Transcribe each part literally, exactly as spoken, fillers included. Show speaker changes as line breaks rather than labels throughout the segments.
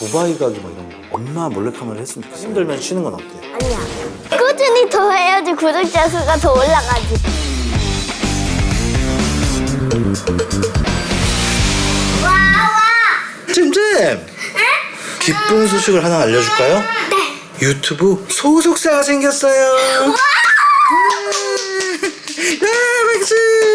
두바이 가기 막 이런 거 엄마 몰래카메라 했으면 좋겠어. 힘들면 쉬는 건 어때?
아니야. 꾸준히 더 해야지 구독자 수가 더 올라가지. 와, 와.
잼잼! 응? 기쁜 소식을 하나 알려줄까요?
네.
유튜브 소속사가 생겼어요.
와!
아, 박수!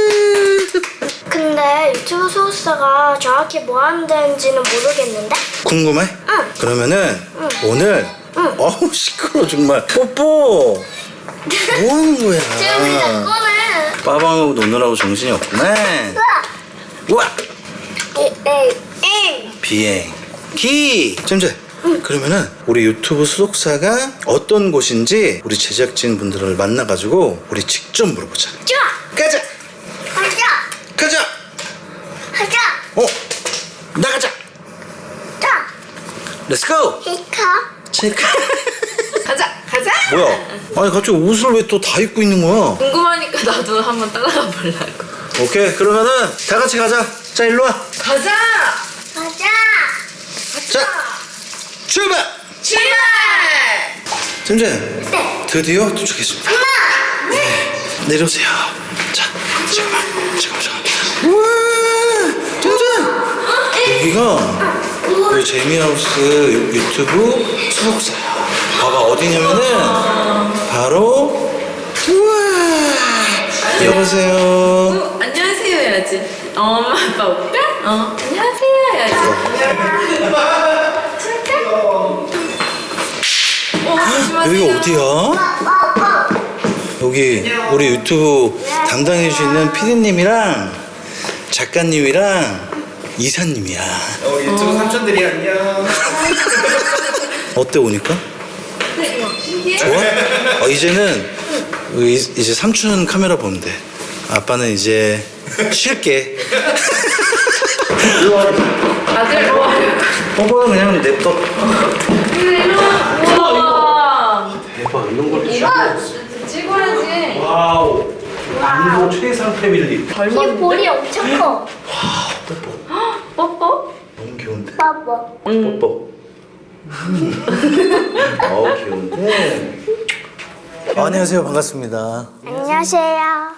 근데 유튜브 소속사가 정확히 뭐 하는 데인지는 모르겠는데?
궁금해?
응.
그러면은
응.
오늘
응.
어우 시끄러워 정말. 뽀뽀! 뭐 하는 거야?
지금 자꾸는.
빠방하고 노느라고 정신이 없구나. 우와!
에이, 에이, 에이.
비행기! 잼잼! 그러면은 우리 유튜브 소속사가 어떤 곳인지 우리 제작진 분들을 만나가지고 우리 직접 물어보자.
좋아.
가자!
가자.
가자!
가자.
어? 나가자!
자.
렛츠고!
히카.
체크!
가자, 가자.
뭐야? 아니 갑자기 옷을 왜 또 다 입고 있는 거야?
궁금하니까 나도 한번 따라가 보려고.
오케이 그러면은 다 같이 가자. 자 일로 와.
가자.
가자.
자 출발.
출발.
잼잼.
네.
드디어 도착했습니다.
엄마.
네. 내려오세요. 자 잠깐만 잠깐만 잠깐만. 우와 잼잼. 여기가 우리 재미하우스 유튜브 소속사야. 봐봐 어디냐면은 바로 우와 여보세요.
어, 안녕하세요 해야지. 어, 엄마 아빠 올까? 어, 안녕하세요 해야지. 어, 조심하세요.
여기가 어디야? 여기 우리 유튜브 담당해 주시는 피디님이랑 작가님이랑 이사님이야.
어, 유튜브 삼촌들이 안녕.
어때 오니까? 좋아? 어, 이제는 이- 이제 삼촌 카메라 보면 돼. 아빠는 이제 쉴게.
아들 일로 와.
뽀뽀는 그냥 냅둬.
일로 와. 우와.
대박 이런 걸
이거 찍어야지.
와우. 인도 최상 패밀리.
이 볼이 엄청 커.
뽀뽀.
뽀뽀?
너무 귀여운데.
봐봐.
뽀뽀. 어우 귀여운데. 어, 안녕하세요 반갑습니다.
안녕하세요.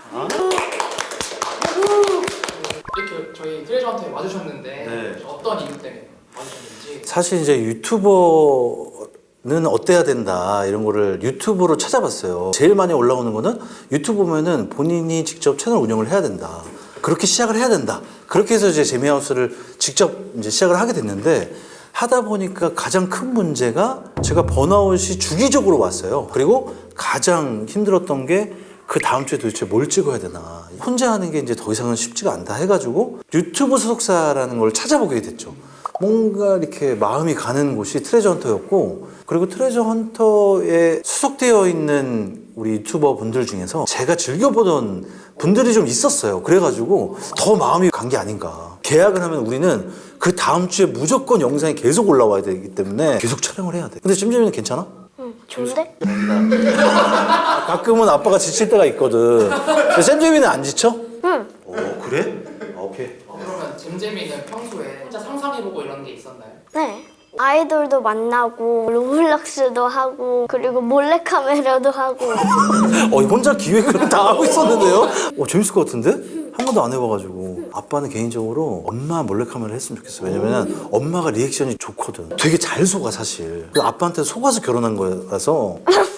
이렇게 저희 트레저한테 와주셨는데
네.
어떤 이유 때문에 와주셨는지.
사실 이제 유튜버는 어때야 된다 이런 거를 유튜브로 찾아봤어요. 제일 많이 올라오는 거는 유튜브 보면은 본인이 직접 채널 운영을 해야 된다. 그렇게 시작을 해야 된다. 그렇게 해서 이제 재미하우스를 직접 이제 시작을 하게 됐는데 하다 보니까 가장 큰 문제가 제가 번아웃이 주기적으로 왔어요. 그리고 가장 힘들었던 게 그 다음 주에 도대체 뭘 찍어야 되나. 혼자 하는 게 이제 더 이상은 쉽지가 않다 해가지고 유튜브 소속사라는 걸 찾아보게 됐죠. 뭔가 이렇게 마음이 가는 곳이 트레저 헌터였고, 그리고 트레저 헌터에 소속되어 있는 우리 유튜버 분들 중에서 제가 즐겨보던 분들이 좀 있었어요. 그래가지고 더 마음이 간 게 아닌가. 계약을 하면 우리는 그 다음 주에 무조건 영상이 계속 올라와야 되기 때문에 계속 촬영을 해야 돼. 근데 찜찜이는 괜찮아?
응, 좋은데?
가끔은 아빠가 지칠 때가 있거든. 근데 쌤잼이는 안 지쳐?
응.
오 그래? 아, 오케이.
어, 그러면 잼잼이는 평소에 혼자 상상해보고 이런 게 있었나요?
네. 아이돌도 만나고 로블록스도 하고 그리고 몰래카메라도 하고.
어 혼자 기획을 다 하고 있었는데요? 어 재밌을 것 같은데? 한 번도 안 해봐가지고. 아빠는 개인적으로 엄마 몰래카메라 했으면 좋겠어. 왜냐면 엄마가 리액션이 좋거든. 되게 잘 속아 사실. 그 아빠한테 속아서 결혼한 거라서.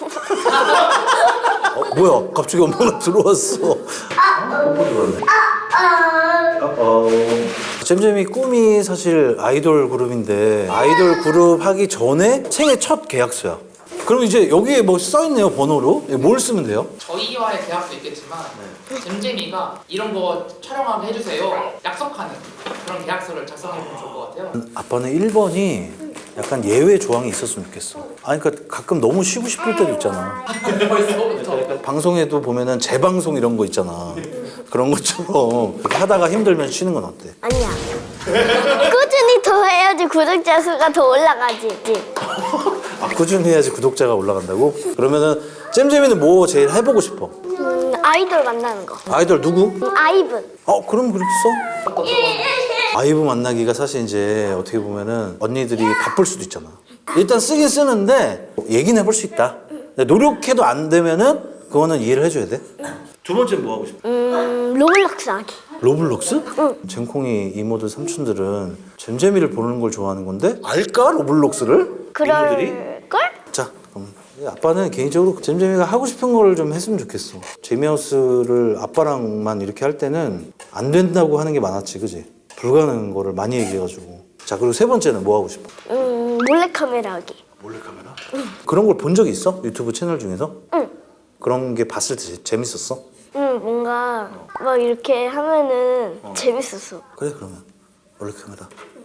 어, 뭐야 갑자기 엄마가 들어왔어. 뽀뽀 들어왔네. 어. 잼잼이 꿈이 사실 아이돌 그룹인데 아이돌 그룹 하기 전에 생애 첫 계약서야. 그럼 이제 여기에 뭐 써있네요 번호로. 뭘 쓰면 돼요?
저희와의 계약도 있겠지만 잼잼이가 이런 거 촬영하게 해주세요 약속하는 그런 계약서를 작성해보면 좋을 것 같아요.
아빠는 일 번이 약간 예외 조항이 있었으면 좋겠어. 아니 그러니까 가끔 너무 쉬고 싶을 때도 있잖아.
벌써부터.
방송에도 보면은 재방송 이런 거 있잖아. 그런 것처럼 하다가 힘들면 쉬는 건 어때?
아니야. 꾸준히 더 해야지 구독자 수가 더 올라가지.
아, 꾸준히 해야지 구독자가 올라간다고? 그러면은 잼잼이는 뭐 제일 해보고 싶어?
음, 아이돌 만나는 거.
아이돌 누구?
음, 아이브.
어 그럼 그렇게 써? 아이브 만나기가 사실 이제 어떻게 보면은 언니들이 바쁠 수도 있잖아. 일단 쓰긴 쓰는데 얘기는 해볼 수 있다. 노력해도 안 되면은 그거는 이해를 해줘야 돼. 두 번째 뭐 하고 싶어?
음, 로블록스 하기.
로블록스? 응. 잼콩이 이모들 삼촌들은 잼잼이를 보는 걸 좋아하는 건데 알까 로블록스를? 이모들이?
그럴걸?
자 그럼 아빠는 개인적으로 잼잼이가 하고 싶은 걸 좀 했으면 좋겠어. 재미하우스를 아빠랑만 이렇게 할 때는 안 된다고 하는 게 많았지, 그지? 불가능한 거를 많이 얘기해가지고. 자 그리고 세 번째는 뭐 하고 싶어?
음, 몰래카메라 하기.
몰래카메라? 응. 그런 걸 본 적이 있어? 유튜브 채널 중에서?
응.
그런 게 봤을 때 재- 재밌었어?
응, 뭔가 막 이렇게 하면은 재밌었어.
그래 그러면 몰래카메라.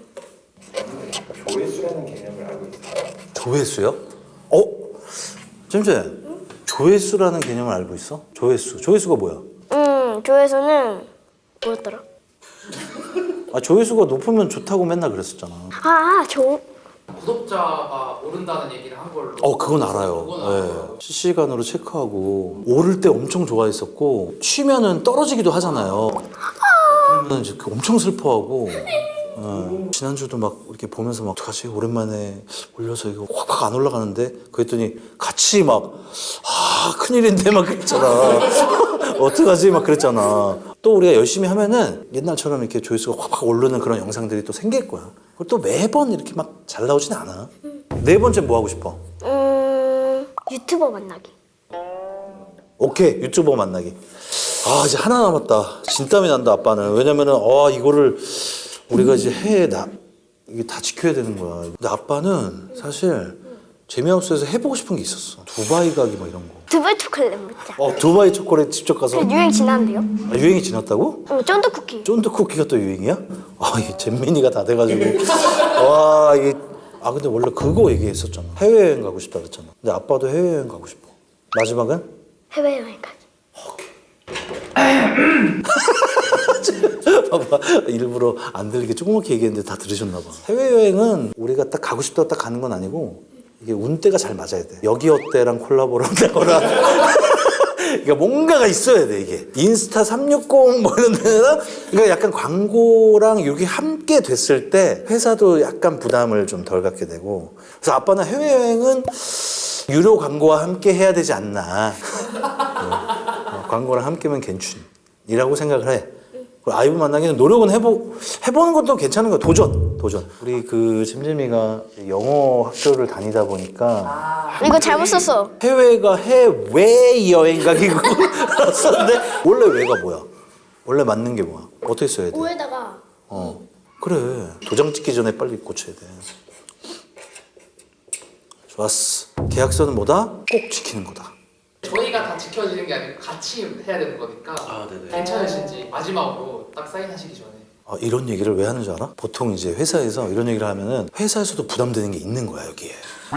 조회수라는 개념을 알고 있어요.
조회수요? 어? 잼잼 조회수라는 개념을 알고 있어? 조회수 조회수가 뭐야?
음, 조회수는 뭐였더라?
아 조회수가 높으면 좋다고 맨날 그랬었잖아.
아, 조...
구독자가 오른다는 얘기를 한 걸로.
어 그건 알아요.
그건
네.
알아요.
실시간으로 체크하고 오를 때 엄청 좋아했었고 쉬면은 떨어지기도 하잖아요. 그러면 이제 그 엄청 슬퍼하고. 네. 지난주도 막 이렇게 보면서 막 어떡하지 오랜만에 올려서 이거 확확 안 올라가는데 그랬더니 같이 막 아 큰일인데 막 그랬잖아. 어떡하지 막 그랬잖아. 또 우리가 열심히 하면은 옛날처럼 이렇게 조회수가 확확 오르는 그런 영상들이 또 생길 거야. 그리고 또 매번 이렇게 막 잘 나오진 않아. 네 번째 뭐 하고 싶어?
음, 유튜버 만나기.
오케이 유튜버 만나기. 아 이제 하나 남았다. 진땀이 난다 아빠는. 왜냐면은 아 이거를 우리가 이제 해에 나 이게 다 지켜야 되는 거야. 근데 아빠는 사실 재미하우스에서 해보고 싶은 게 있었어. 두바이 가기 막 이런 거.
두바이 초콜릿 먹자.
어 두바이 초콜릿 직접 가서.
그 유행 지났는데요?
아, 유행이 지났다고?
응, 쫀득 쿠키.
쫀득 쿠키가 또 유행이야? 아 이게 잼민이가 다 돼가지고 와 이게 아 근데 원래 그거 얘기했었잖아. 해외여행 가고 싶다 그랬잖아. 근데 아빠도 해외여행 가고 싶어. 마지막은?
해외여행 가기.
봐봐 일부러 안 들리게 조그맣게 얘기했는데 다 들으셨나 봐. 해외여행은 우리가 딱 가고 싶다고 딱 가는 건 아니고 이게 운때가 잘 맞아야 돼. 여기 어때랑 콜라보를 한다거나 그러니까 뭔가가 있어야 돼 이게. 인스타 삼육십 뭐 이런 데랑 그러니까 약간 광고랑 이렇게 함께 됐을 때 회사도 약간 부담을 좀 덜 갖게 되고. 그래서 아빠는 해외여행은 유료 광고와 함께 해야 되지 않나. 어, 광고랑 함께면 괜춘이라고 생각을 해. 그리고 아이브 만나기는 노력은 해보, 해보는 것도 괜찮은 거야. 도전, 도전. 우리 그 잼잼이가 영어 학교를 다니다 보니까
이거 잘못 썼어.
해외가 해외 여행 가기고 썼는데 원래 왜가 뭐야? 원래 맞는 게 뭐야? 어떻게 써야 돼?
오에다가
어 그래 도장 찍기 전에 빨리 고쳐야 돼. 좋았어. 계약서는 뭐다? 꼭 지키는 거다.
저희가 다 지켜지는 게 아니고 같이 해야 되는 거니까
아, 네네.
괜찮으신지 마지막으로 딱 사인하시기 전에.
아, 이런 얘기를 왜 하는 줄 알아? 보통 이제 회사에서 이런 얘기를 하면은 회사에서도 부담되는 게 있는 거야 여기에.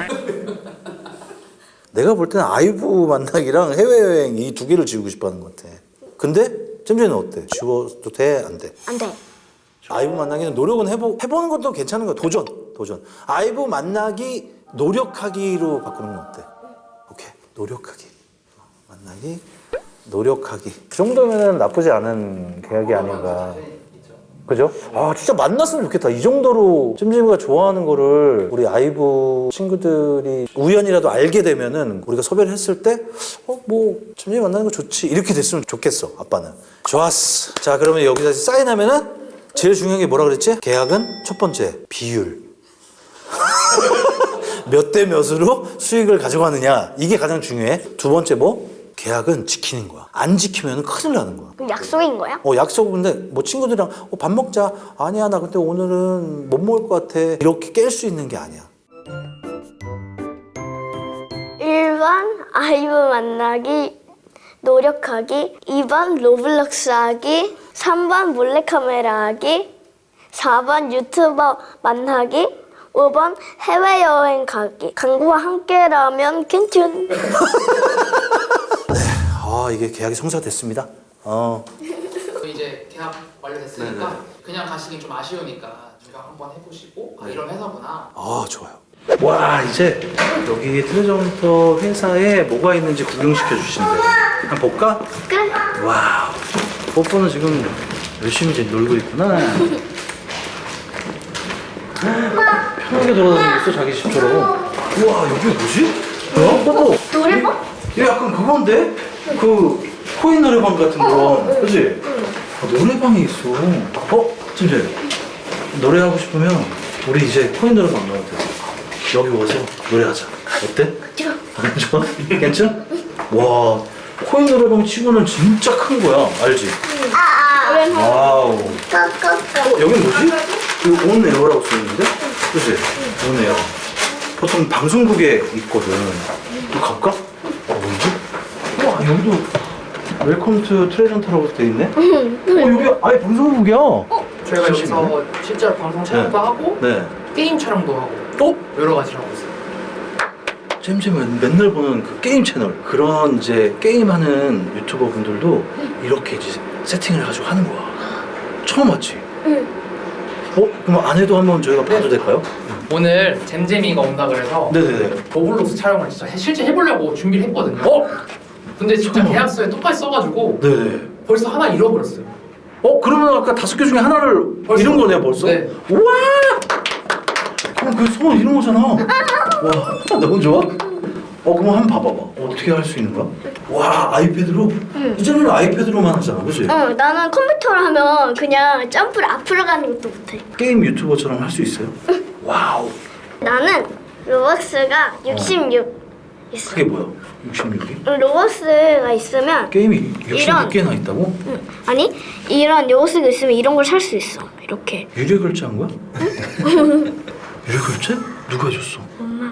내가 볼 때는 아이브 만나기랑 해외여행 이 두 개를 지우고 싶어하는 것 같아. 근데 잼잼이는 어때? 지워도 돼? 안 돼?
안 돼.
아이브 만나기는 노력은 해보, 해보는 것도 괜찮은 거야. 도전, 도전. 아이브 만나기 노력하기로 바꾸는 건 어때? 오케이, 노력하기. 어, 만나기, 노력하기. 그 정도면 나쁘지 않은 계약이 아닌가. 그죠? 아 진짜 만났으면 좋겠다. 이 정도로 찜찜이가 좋아하는 거를 우리 아이브 친구들이 우연이라도 알게 되면은 우리가 섭외를 했을 때 어 뭐 찜찜이 만나는 거 좋지 이렇게 됐으면 좋겠어. 아빠는. 좋았어. 자 그러면 여기서 사인하면은 제일 중요한 게 뭐라 그랬지? 계약은 첫 번째 비율. 몇 대 몇으로 수익을 가져가느냐 이게 가장 중요해. 두 번째 뭐? 계약은 지키는 거야. 안 지키면 큰일 나는 거야.
그럼 약속인 거야?
어 약속인데 뭐 친구들이랑 어, 밥 먹자. 아니야 나 근데 오늘은 못 먹을 것 같아. 이렇게 깰 수 있는 게 아니야.
일 번 아이브 만나기 노력하기, 이 번 로블록스 하기, 삼 번 몰래카메라 하기, 사 번 유튜버 만나기, 오 번 해외여행 가기. 광고와 함께라면 괜찮.
아 이게 계약이 성사됐습니다. 어.
이제 계약 완료됐으니까
네네.
그냥 가시긴 좀 아쉬우니까 저희가 한번 해보시고 아 이런 회사구나.
아 좋아요. 와 이제 여기 트레저헌터 회사에 뭐가 있는지 구경시켜 주신대요. 한번 볼까?
그래.
와우. 뽀뽀는 지금 열심히 이제 놀고 있구나. 편하게 돌아다니고 있어 자기 집처럼. 우와 여기 뭐지? 뭐야? 뽀뽀.
노래방?
이게 약간 그건데? 그 코인 노래방 같은 거. 그치? 아, 노래방이 있어. 어? 진짜 노래하고 싶으면 우리 이제 코인 노래방 가도 돼. 여기 와서 노래하자. 어때?
좋아.
안 좋아? 괜찮아? 와 코인 노래방 치고는 진짜 큰 거야. 알지?
아, 아.
와우.
꺼꺼꺼.
어, 여긴 뭐지? 이거 온 에어라고 써있는데? 그치? 온 에어. 보통 방송국에 있거든. 또 갈까? 어, 뭐지? 와, 여기도 웰컴 투 트레전터라고 돼 있네? 어, 여기 아예 방송국이야.
저희가 여기서 실제로 방송 촬영도 하고
네.
게임 촬영도 하고
또?
여러 가지를 하고 있어요.
잼잼은 맨날 보는 그 게임 채널. 그런 이제 게임하는 유튜버 분들도 이렇게 이제 세팅을 해가지고 하는 거야. 처음 왔지?
응.
어? 그럼 안에도 한번 저희가 봐도
네.
될까요?
오늘 잼잼이가 온다 그래서
네네네.
로블록스 촬영을 진짜 해- 실제 해보려고 준비를 했거든요.
어?
근데 진짜
잠깐만.
계약서에 똑같이 써가지고
네네.
벌써 하나 잃어버렸어요.
어? 그러면 아까 다섯 개 중에 하나를
벌써?
잃은 거네 벌써?
네.
우와! 그럼 그 소원 잃은 거잖아. 와 너무 좋아? 어 그럼 한번 봐봐봐. 어떻게 할 수 있는 거야? 와 아이패드로? 이제는 아이패드로만 하잖아 그치?
응, 나는 컴퓨터로 하면 그냥 점프를 앞으로 가는 것도 못해.
게임 유튜버처럼 할 수 있어요? 와우.
나는 로벅스가 육십육 있어.
그게 뭐야? 육십육이?
로벅스가 있으면
게임이
이런.
육십육 개나 있다고?
응. 아니 이런 로벅스가 있으면 이런 걸 살 수 있어. 이렇게.
유료 결제한 거야? 유료 결제? 누가 해줬어?
엄마.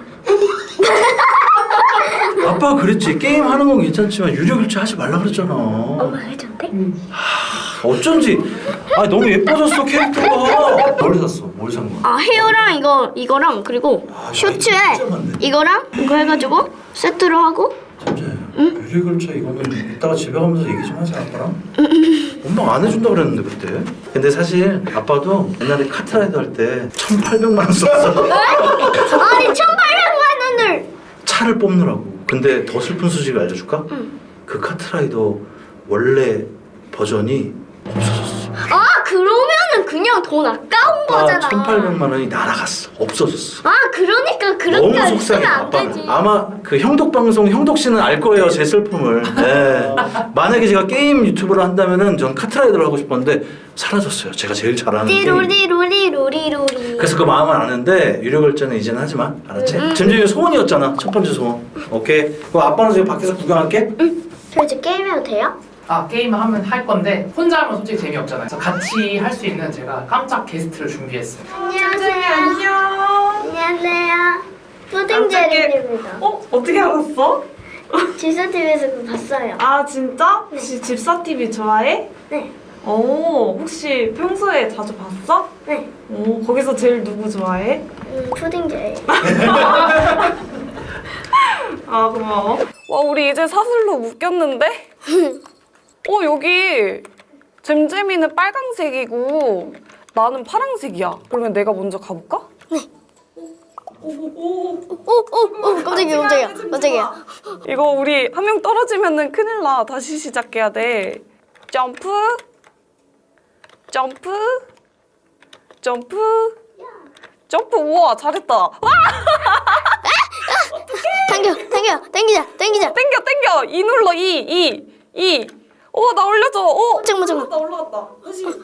아빠가 그랬지. 게임 하는 건 괜찮지만 유료 결제 하지 말라 그랬잖아.
엄마가 해줬대?
어쩐지. 아 너무 예뻐졌어 캐릭터가. 뭘 샀어? 뭘 산 거야?
아 헤어랑 이거 이거랑 그리고
아,
셔츠에
진짜 많네.
이거랑 이거 해가지고 세트로 하고.
진짜 유료 결제 이거는 이따가 집에 가면서 얘기 좀 하자 아빠랑. 엄마 안 해준다 그랬는데 그때. 근데 사실 아빠도 옛날에 카트라이더 할 때 천팔백만 원 썼어.
아니 천팔백만 원을.
차를 뽑느라고. 근데 더 슬픈 소식을 알려줄까?
응.
그 카트라이더 원래 버전이 없어졌어.
아 그러면은 그냥 돈 아까운 거잖아.
천팔백만 원이 날아갔어. 없어졌어.
아 그러니까 그렇게
너무
안
속상해
쓰면 안
아빠는.
되지.
아마 그 형독 방송 형독 씨는 알 거예요 제 슬픔을. 네. 만약에 제가 게임 유튜브를 한다면은 전 카트라이더를 하고 싶었는데 사라졌어요. 제가 제일 잘하는 게임.
띠로리로리로리로리.
그래서 그 마음은 아는데 유료 결제는 이제는 하지 마. 알았지? 잼잼이 소원이었잖아. 첫 번째 소원. 오케이. 그럼 아빠는 지금 밖에서 구경할게.
저 이제 게임해도 돼요?
아 게임을 하면 할 건데 혼자 하면 솔직히 재미없잖아요. 그래서 같이 할 수 있는 제가 깜짝 게스트를 준비했어요.
안녕하세요.
안녕.
안녕하세요.
깜짝이야.
푸딩제리입니다.
어? 어떻게 알았어?
지수티비에서 그거 봤어요.
아 진짜? 혹시 집사티비 좋아해?
네.
오 혹시 평소에 자주 봤어?
네.
오 거기서 제일 누구 좋아해?
음, 푸딩제리.
아 고마워. 와 우리 이제 사슬로 묶였는데? 어 여기 잼잼이는 빨강색이고 나는 파랑색이야. 그러면 내가 먼저 가볼까?
네.
오오오.
오, 오, 오, 깜짝이야, 깜짝이야, 깜짝이야.
이거 우리 한 명 떨어지면은 큰일 나. 다시 시작해야 돼. 점프. 점프. 점프. 점프. 우와 잘했다. 와
당겨, 당겨, 당기자, 당기자.
땡겨 땡겨. 이 눌러. 이 이 이. 어 나 올려줘. 어.
잠깐만, 잠깐만.
나 올라갔다. 다시 다시.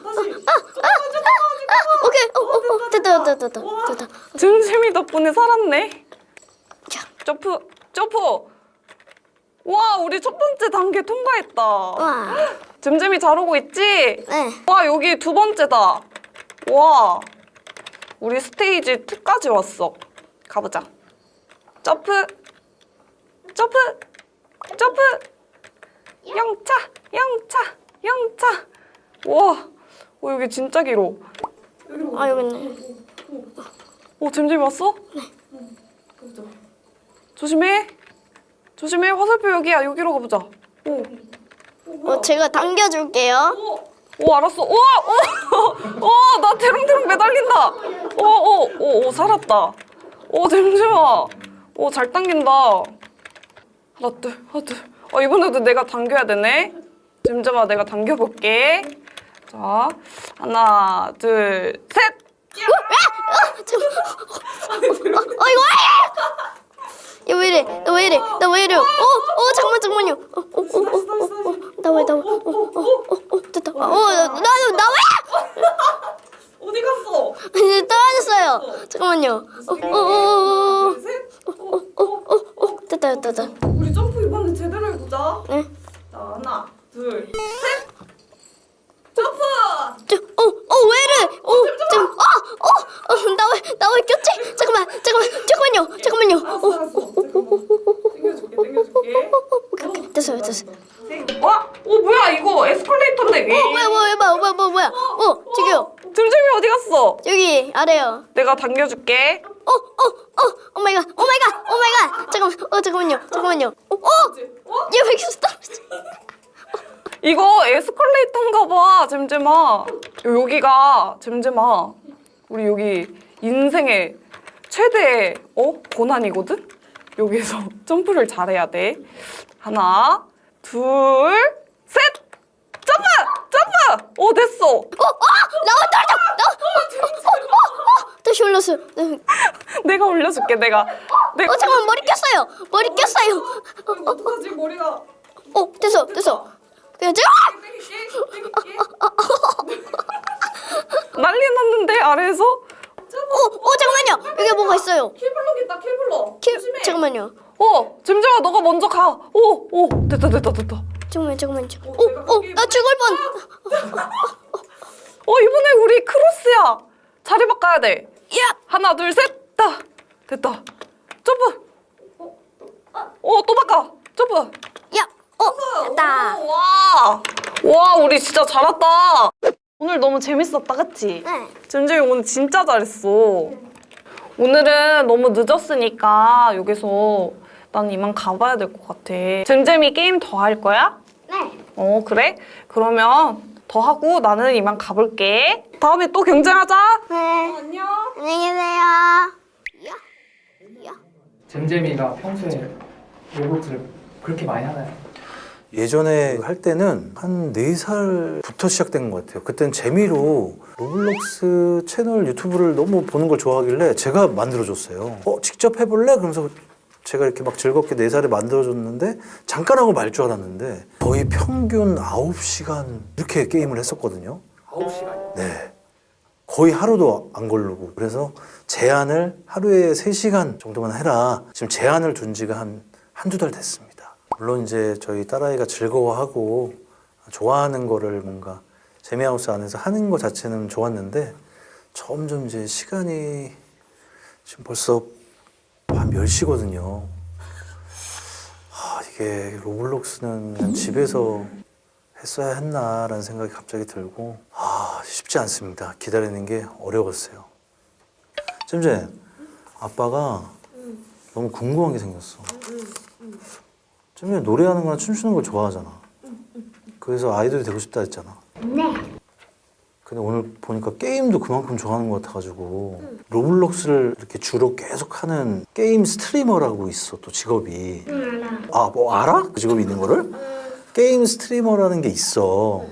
아, 오케이, 오, 오, 오, 됐다, 됐다, 됐다, 됐다.
잼잼이 덕분에 살았네.
자,
점프 점프. 와 우리 첫 번째 단계 통과했다.
와,
잼잼이 잘오고 있지?
네.
와 여기 두 번째다. 와 우리 스테이지 이까지 왔어. 가보자. 점프 점프 점프 영차 영차 영차. 와 어, 여기 진짜 길어.
아, 여기 있네.
어 잼잼이 왔어? 네. 조심해 조심해. 화살표 여기야. 여기로 가보자. 오.
어, 제가 당겨줄게요.
오 알았어. 오, 오, 오, 나 대롱대롱 매달린다. 오, 오, 오, 오 살았다. 오 잼잼아, 오 잘 당긴다. 하나 둘, 하나 둘. 어 이번에도 내가 당겨야 되네. 잼잼아 내가 당겨볼게. 자, 하나 둘 셋.
아! 잠깐만. 어 이거 야, 왜 이래? 나 왜 이래? 나 왜 이래? 어, 어, 잠깐만, 잠깐만요. 어, 어, 어, 어, 어, 어, 나 왜, 나 왜? 어, 어, 어, 어, 됐다. 어, 나, 나, 나 왜?
어디 갔어?
이제 떨어졌어요. 잠깐만요. 어, 어, 어, 어,
셋.
어, 어, 어, 어, 됐다, 됐다, 됐다.
우리 점프 이번에 제대로 해보자.
네.
자, 하나, 둘, 셋. 점프!
저, 어, 어, 왜 이래? 어, 잠깐, 어, 어, 어, 나 왜, 나 왜 꼈지? 잠깐만, 잠깐만, 잠깐만요, 잠깐만요.
알았어, 알았어. 잠깐만. 당겨줄게, 당겨줄게.
오케이, 됐어요, 됐어요.
와, 어 뭐야 이거 에스컬레이터인데 왜?
어, 뭐야, 뭐야, 뭐야, 뭐야, 뭐야, 뭐야? 어, 저기요,
잼잼이 어디 갔어?
여기 아래요.
내가 당겨줄게.
어, 어, 어, 오 마이 갓, 오 마이 갓, 오 마이 갓. 잠깐만, 어, 잠깐만요, 잠깐만요. 어, 어, 얘 왜 이렇게 떨어져?
이거 에스컬레이터인가 봐, 잼잼아. 여기가 잼잼아. 우리 여기 인생의 최대 어 고난이거든. 여기서 점프를 잘해야 돼. 하나, 둘, 셋. 점프, 점프. 오 됐어.
어, 어, 나와 떨어져, 나, 어, 어, 어, 어, 다시 올렸어요. 네.
내가 올려줄게. 내가. 내가.
어, 잠깐만, 머리 꼈어요. 머리 꼈어요.
이거 어떡하지 머리가.
어, 됐어, 됐어. 그냥 저,
난리 났는데 아래에서.
어, 어, 잠깐만요. 여기 뭐가 있어요.
킬블럭 있다 킬블럭.
키, 잠깐만요.
어 잼잼아 너가 먼저 가. 오, 오 됐다 됐다 됐다.
잠깐만, 잠깐만요. 어, 어, 나 죽을 뻔.
어 이번에 우리 크로스야. 자리 바꿔야 돼.
야,
하나 둘 셋. 다 됐다. 점프. 어또 바꿔. 점프.
야, 어, 됐다.
와. 와 우리 진짜 잘했다. 오늘 너무 재밌었다 그치?
네.
잼잼이 오늘 진짜 잘했어. 오늘은 너무 늦었으니까 여기서 난 이만 가봐야 될 것 같아. 잼잼이 게임 더 할 거야?
네.
어 그래? 그러면 더 하고 나는 이만 가볼게. 다음에 또 경쟁하자.
네.
안녕.
안녕히 계세요. 야, 야.
잼잼이가 평소에 로봇을 그렇게 많이 하나요?
예전에 할 때는 한 네 살부터 시작된 것 같아요. 그땐 재미로 로블록스 채널 유튜브를 너무 보는 걸 좋아하길래 제가 만들어줬어요. 어, 직접 해볼래? 그러면서 제가 이렇게 막 즐겁게 네 살에 만들어줬는데 잠깐 하고 말 줄 알았는데 거의 평균 아홉 시간 이렇게 게임을 했었거든요.
아홉 시간이요?
네. 거의 하루도 안 걸르고. 그래서 제한을 하루에 세 시간 정도만 해라. 지금 제한을 둔 지가 한 한두 달 됐습니다. 물론 이제 저희 딸아이가 즐거워하고 좋아하는 거를 뭔가 재미하우스 안에서 하는 것 자체는 좋았는데 점점 이제 시간이 지금 벌써 밤 열 시거든요. 아, 이게 로블록스는 그냥 집에서 했어야 했나라는 생각이 갑자기 들고 아, 쉽지 않습니다. 기다리는 게 어려웠어요. 잼잼, 아빠가 너무 궁금한 게 생겼어. 잼잼 노래하는 거나 춤추는 걸 좋아하잖아. 그래서 아이돌이 되고 싶다 했잖아.
네.
근데 오늘 보니까 게임도 그만큼 좋아하는 것 같아가지고 로블록스를 이렇게 주로 계속 하는 게임 스트리머라고 있어, 또 직업이. 아, 뭐 알아? 그 직업이 있는 거를? 게임 스트리머라는 게 있어.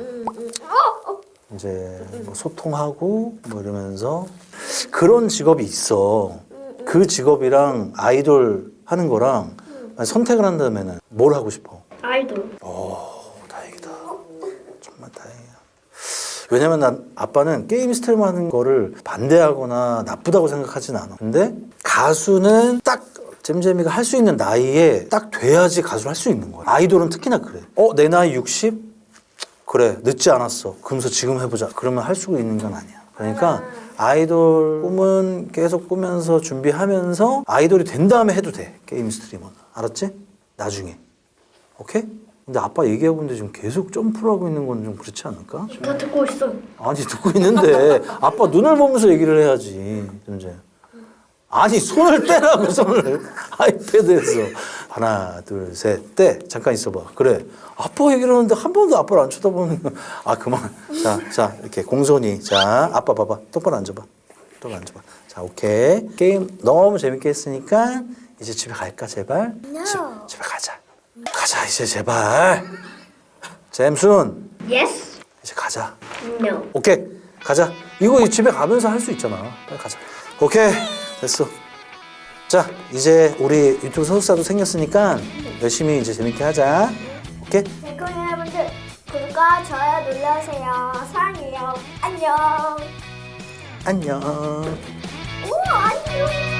이제 뭐 소통하고 뭐 이러면서 그런 직업이 있어. 그 직업이랑 아이돌 하는 거랑 선택을 한다면은 뭘 하고 싶어?
아이돌.
오, 다행이다. 정말 다행이야. 왜냐면 난 아빠는 게임 스트리머 하는 거를 반대하거나 나쁘다고 생각하진 않아. 근데 가수는 딱 잼잼이가 할 수 있는 나이에 딱 돼야지 가수를 할 수 있는 거야. 아이돌은 특히나 그래. 어, 내 나이 육십? 그래, 늦지 않았어. 그러면서 지금 해보자. 그러면 할 수 있는 건 아니야. 그러니까 아이돌 꿈은 계속 꾸면서 준비하면서 아이돌이 된 다음에 해도 돼. 게임 스트리머는. 알았지? 나중에. 오케이? 근데 아빠 얘기해보는데 지금 계속 점프를 하고 있는 건 좀 그렇지 않을까?
다 듣고 있어.
아니, 듣고 있는데 아빠 눈을 보면서 얘기를 해야지. 잼잼. 아니, 손을 떼라고, 손을. 아이패드에서. 하나, 둘, 셋, 떼. 잠깐 있어봐. 그래. 아빠 얘기를 하는데 한 번도 아빠를 안 쳐다보는 거. 아, 그만. 자, 자, 이렇게 공손히. 자, 아빠 봐봐. 똑바로 앉아봐. 똑바로 앉아봐. 자, 오케이. 게임 너무 재밌게 했으니까 이제 집에 갈까, 제발?
No.
집, 집에 가자. 가자, 이제 제발. 잼순.
Yes.
이제 가자.
No.
오케이. 가자. 이거 집에 가면서 할 수 있잖아. 빨리 가자. 오케이 됐어. 자 이제 우리 유튜브 소속사도 생겼으니까 열심히 이제 재밌게 하자. 오케이.
그럼 여러분들 구독과 좋아요 눌러주세요. 사랑해요. 안녕.
안녕.
오 안녕.